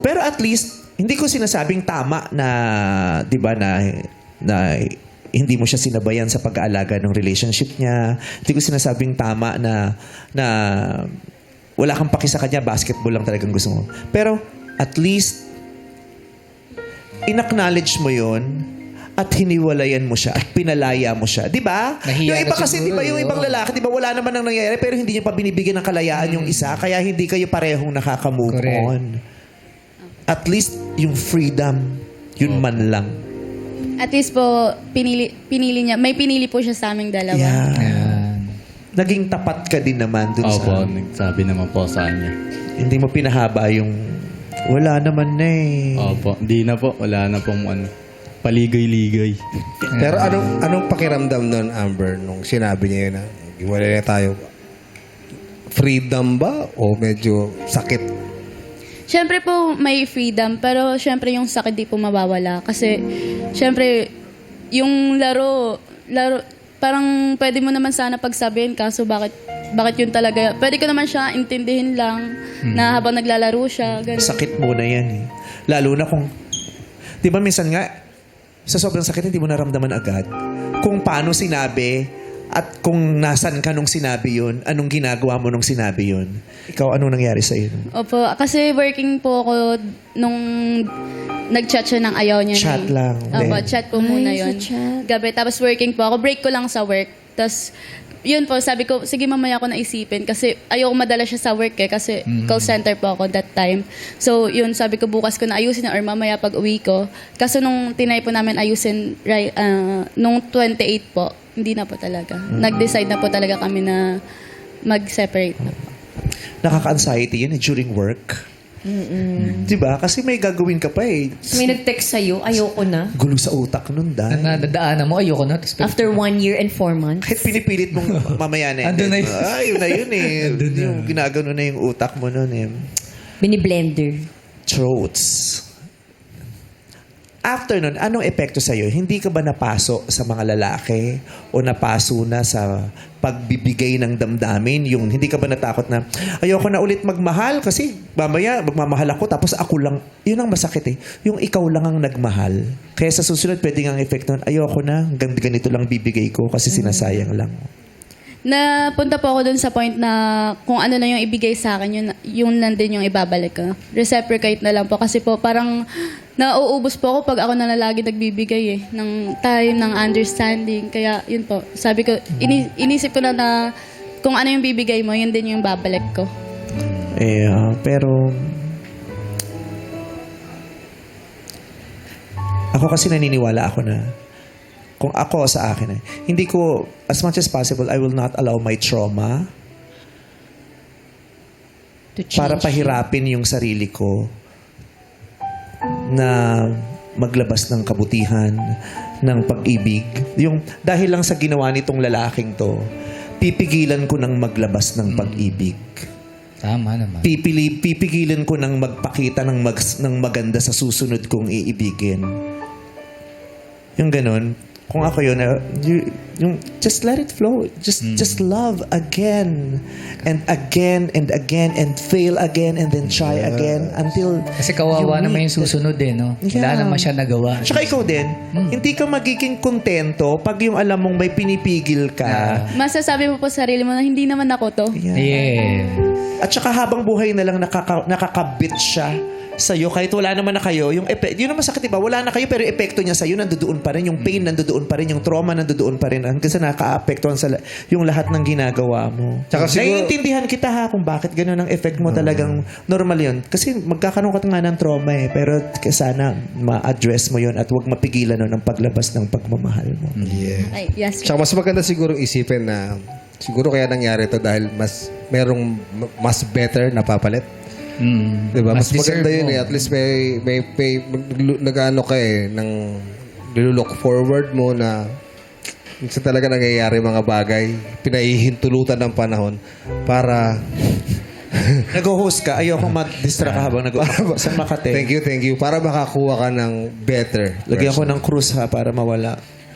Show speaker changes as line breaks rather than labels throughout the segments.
Pero at least, hindi ko sinasabing tama na, di ba, na hindi mo siya sinabayan sa pag-aalaga ng relationship niya. Hindi ko sinasabing tama na wala kang paki sa kanya, basketball lang talagang gusto mo. Pero at least, in-acknowledge mo yon at hiniwalayan mo siya at pinalaya mo siya. Di ba?
Nahiya
Yung iba
na
kasi, di
siguro,
ba, yung ibang lalaki, di ba, wala naman nang nangyayari pero hindi niya pa binibigyan ng kalayaan yung isa kaya hindi kayo parehong nakaka-move
Correct.
on. At least, yung freedom, yun man lang.
At least po, pinili niya. May pinili po siya sa aming dalawa.
Yeah.
Ayan.
Naging tapat ka din naman dun
Opo,
sa...
nagsabi naman po sa kanya.
Hindi mo pinahaba yung... Wala naman na eh.
Opo, hindi na po. Wala na pong paligay-ligay.
Pero anong pakiramdam nun, Amber, nung sinabi niya yun na iwalay na tayo? Freedom ba o medyo sakit?
Siyempre po, may freedom. Pero siyempre yung sakit di po mawawala. Kasi, siyempre, yung laro, parang pwede mo naman sana pagsabihin. Kaso bakit yun talaga? Pwede ko naman siya intindihin lang na habang naglalaro siya. Ganun.
Sakit muna yan eh. Lalo na kung... Di ba minsan nga, sa sobrang sakit, hindi mo naramdaman agad. Kung paano sinabi at kung nasan ka nung sinabi yun, anong ginagawa mo nung sinabi yun. Ikaw, anong nangyari sa'yo?
Opo, kasi working po ako nung nag-chat siya ng ayaw niya.
Chat lang,
Opo,
then?
chat po muna yun. Gabi, tapos working po ako. Break ko lang sa work. Tapos, yun po, sabi ko, sige mamaya ko naisipin. Kasi ayoko madala siya sa work kasi call center po ako that time. So, yun, sabi ko bukas ko na ayusin or mamaya pag uwi ko. Kaso nung tinay po namin ayusin, nung 28 po, hindi na po talaga. Nag-decide na po talaga kami na mag-separate na po.
Nakaka-anxiety yun eh, during work. Di ba? Kasi may gagawin ka pa eh.
May nag-text sa'yo, ayoko na.
Gulo sa utak nun,
Na nadadaanan mo, ayoko na. Tapos,
After 1 year and 4 months.
Kahit pinipilit mong mamaya na.
Andun na yun.
Yun na yun eh. Yung ginagano na yung utak mo nun eh.
Bini-blender.
Throats. After nun, anong epekto sa'yo? Hindi ka ba napaso sa mga lalaki o napaso na sa pagbibigay ng damdamin? Yung hindi ka ba natakot na, ayoko na ulit magmahal kasi mamaya magmamahal ako tapos ako lang. Yun ang masakit eh. Yung ikaw lang ang nagmahal. Kaya sa susunod, pwede nga ang epekto nun, ayoko na, hanggang ganito lang bibigay ko kasi sinasayang lang.
Napunta po ako dun sa point na kung ano na yung ibigay sa akin, yun lang din yung ibabalik ko. Reciprocate na lang po. Kasi po parang nauubos po ako pag ako na lagi nagbibigay eh. Ng time, ng understanding. Kaya yun po. Sabi ko, inisip ko na kung ano yung bibigay mo, yun din yung babalik ko.
Pero ako kasi naniniwala ako na kung ako sa akin hindi ko, as much as possible, I will not allow my trauma
To change.
para pahirapin yung sarili ko na maglabas ng kabutihan, ng pag-ibig. Yung, dahil lang sa ginawa nitong lalaking to, pipigilan ko ng maglabas ng pag-ibig.
tama naman.
Pipigilan ko ng magpakita ng maganda sa susunod kong iibigin. Yung ganun. Kung ako yun, yung just let it flow. Just love again and again and again and fail again and then try again until
Kasi kawawa
you
naman
meet
yung susunod eh, no? Wala
Yeah.
naman siya nagawa.
Tsaka ikaw din, hindi ka magiging kontento pag yung alam mong may pinipigil ka.
Masasabi mo po sa sarili mo na hindi naman ako to.
Yeah.
At saka habang buhay na lang nakakabit siya sa'yo, kahit wala naman na kayo, yun ang masakit, diba? Wala na kayo, pero yung epekto niya sa'yo, nandoon pa rin. Yung pain, nandoon pa rin. Yung trauma, nandoon pa rin. Hanggang sa nakaka-apektuhan sa yung lahat ng ginagawa mo.
Tsaka siguro-
Naiintindihan kita ha kung bakit gano'n ang effect mo talagang normal yun. Kasi magkakaroon ka nga ng trauma eh. Pero sana ma-address mo yun at huwag mapigilan nun ang paglabas ng pagmamahal mo.
Yeah.
Ay, yes.
Tsaka mas maganda siguro isipin na siguro kaya nangyari to dahil merong mas better na papalit. Diba? Mas maganda
deserve
yun
mo.
eh. At least may nag-ano ka eh, nilook forward mo na minsan talaga nangyayari mga bagay, pinahihintulutan ng panahon para...
Nag-host ka, ayokong ma-distract ka habang sa Makate.
Thank you. Para makakuha ka ng better.
Lagyan ko
version.
ng cruise ha para mawala.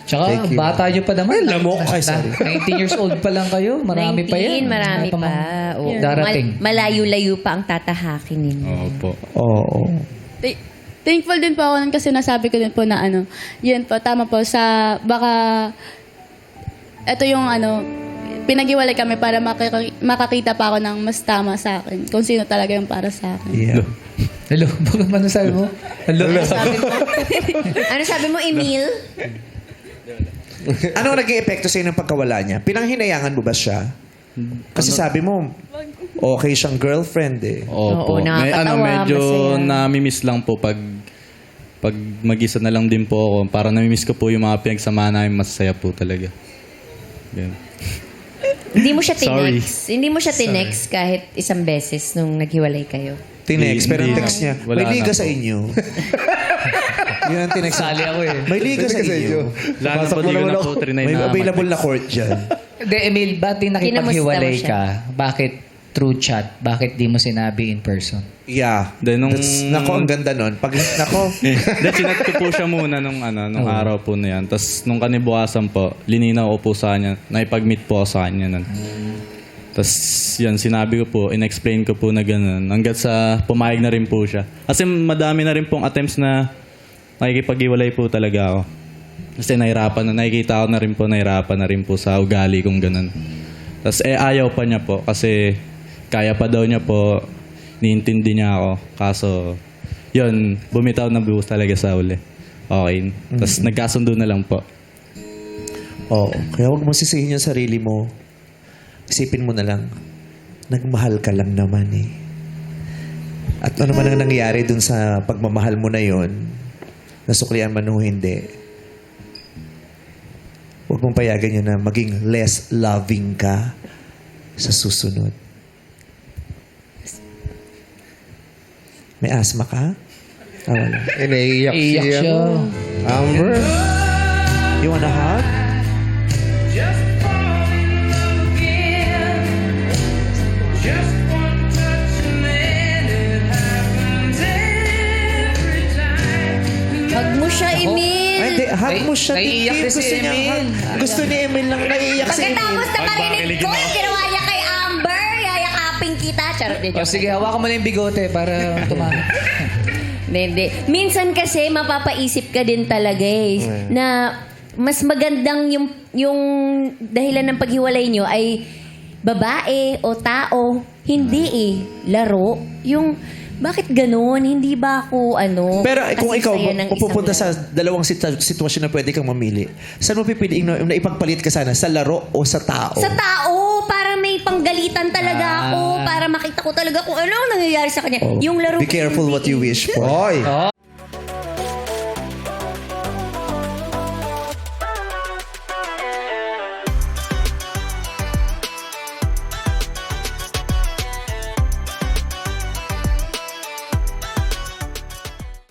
Tsaka,
Thank you.
bata nyo pa naman.
Lamok. Ay, sorry.
19 years old pa lang kayo. Marami pa
19,
yan.
marami pa. Oo.
Darating.
Malayo-layo pa ang tatahakin ninyo.
Oo po.
Oo.
Thankful din po ako nun kasi nasabi ko din po na yun po, tama po, sa baka, ito yung pinag-iwalay kami para makakita pa ako ng mas tama sa akin, kung sino talaga yung para sa akin.
Yeah.
Hello, bakit ano sabi mo? Hello.
Ano sabi mo, Emil?
Ano naging epekto sa'yo ng pagkawala niya? Pinanghinayangan mo ba siya? Kasi sabi mo, okay siyang girlfriend eh.
Oo,
Opo.
nakakatawa,
Medyo
masaya.
nami-miss lang po pag mag-isa na lang din po ako. Para nami-miss ko po yung mga pinagsamahan namin, masaya po talaga. Ganun.
Hindi mo siya
Sorry.
tinext. Hindi mo siya tinext kahit isang beses nung naghiwalay kayo.
Tinext, pero ang
Hindi
text
na.
niya,
Wala
may liga
na
sa
po.
inyo. Yun ang tinext.
Sali ako eh.
May liga sa inyo.
Lalo po, di ko na po trinay
May
na
available na court dyan.
Hindi, Emil, ba't di nakipaghiwalay
Kinamusta mo
ka? Bakit through chat? Bakit di mo sinabi in person?
Yeah.
Then nung-
Nako, ang ganda nun. Nako,
Then, sinat ko po siya muna nung araw po na yan. Tapos, nung kanibukasan po, lininaw ko po sa kanya. Naipag-meet po ako sa kanya nun. Tapos, yan, sinabi ko po, in-explain ko po na gano'n. Hanggat sa pumayag na rin po siya. Kasi madami na rin pong attempts na nakikipag-iwalay po talaga ako. Kasi nakikita ko na rin po sa ugali kong gano'n. Tapos, ayaw pa niya po kasi kaya pa daw niya po, niintindi niya ako. Kaso, yun, bumitaw na buhos talaga sa uli. Okay. Tapos, nagkasundo na lang po.
oo. Kaya huwag mo sisihin yung sarili mo. Isipin mo na lang, nagmahal ka lang naman eh. At ano man ang nangyari dun sa pagmamahal mo na yon, nasuklian man o hindi, huwag mong payagan yun na maging less loving ka sa susunod. May asma ka? Ah, wala.
Naiiyak
Iyak
siya.
siya.
Amber?
You wanna hug?
Hug mo siya, Emil.
Ay, hindi. Hug mo siya.
Naiiyak
Titi.
na si
Gusto niya
Emil.
hug. Gusto ni Emil lang naiiyak si Emil.
Pagkatapos na marinig ko yung ginawa niya kay Amber, yayakapin kita. Charot din.
O sige, hawakan mo na yung bigote para tumama.
Hindi. Minsan kasi mapapaisip ka din talaga eh, na mas magandang yung dahilan ng paghiwalay nyo ay babae o tao. Hindi eh. Laro. Yung, bakit ganun? Hindi ba ako
Pero kung
kasi
ikaw
saya ng
pupunta
isang
sa dalawang sitwasyon na pwede kang mamili, saan mo pipiliin na ipagpalit ka sana? Sa laro o sa tao?
sa tao, para may panggalitan talaga ako, para makita ko talaga kung ano ang nangyayari sa kanya.
Oh.
Yung laro
Be careful what you wish for.
Hoy!